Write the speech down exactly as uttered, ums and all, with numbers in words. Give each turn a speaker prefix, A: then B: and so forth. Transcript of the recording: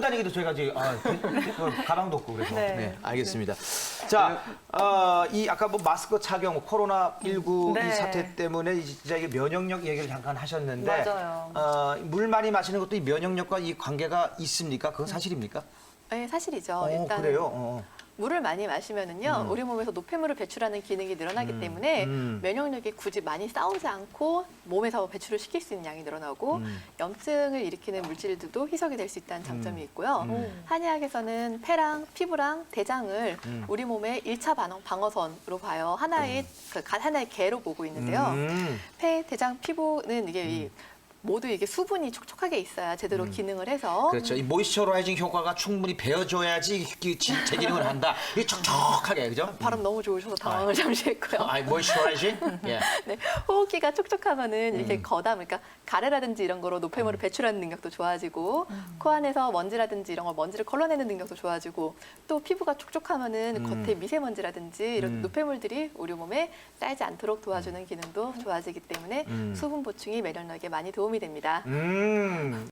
A: 다니기도 저희가 지금 아, 그 가방도 없고 그래서.
B: 네.
A: 네, 알겠습니다. 자, 어, 이 아까 뭐 마스크 착용, 코로나 십구
B: 네.
A: 이 사태 때문에 진짜 이게 면역력 얘기를 잠깐 하셨는데,
B: 맞아요.
A: 어, 물 많이 마시는 것도 이 면역력과 이 관계가 있습니까? 그건 사실입니까?
C: 네, 사실이죠.
A: 어,
C: 일단
A: 그래요. 어.
C: 물을 많이 마시면은요,
A: 음.
C: 우리 몸에서 노폐물을 배출하는 기능이 늘어나기 때문에
A: 음.
C: 면역력이 굳이 많이 싸우지 않고 몸에서 배출을 시킬 수 있는 양이 늘어나고
A: 음.
C: 염증을 일으키는 물질들도 희석이 될 수 있다는 장점이 있고요.
A: 음.
C: 한의학에서는 폐랑 피부랑 대장을
A: 음.
C: 우리 몸의 일 차 방어, 방어선으로 봐요. 하나의 그 가- 하나의 개로 보고 있는데요.
A: 음.
C: 폐, 대장, 피부는 이게 이 모두 이게 수분이 촉촉하게 있어야 제대로 기능을 해서
A: 그렇죠. 이 모이스처라이징 효과가 충분히 배어줘야지 이게 지- 제 기능을 한다. 이게 촉촉하게, 그죠?
C: 발음 너무 좋으셔서 당황을 잠시 했고요.
A: 아, 모이스처라이징? 예.
C: 네, 호흡기가 촉촉하면은
A: 음.
C: 이렇게 거담, 그러니까 가래라든지 이런 거로 노폐물을 배출하는 능력도 좋아지고, 코 안에서 먼지라든지 이런 걸 먼지를 걸러내는 능력도 좋아지고, 또 피부가 촉촉하면은
A: 음.
C: 겉에 미세먼지라든지 이런
A: 음.
C: 노폐물들이 우리 몸에 쌓이지 않도록 도와주는 기능도 좋아지기 때문에
A: 음.
C: 수분 보충이 면역력에 많이 도움이 됩니다.
A: 음.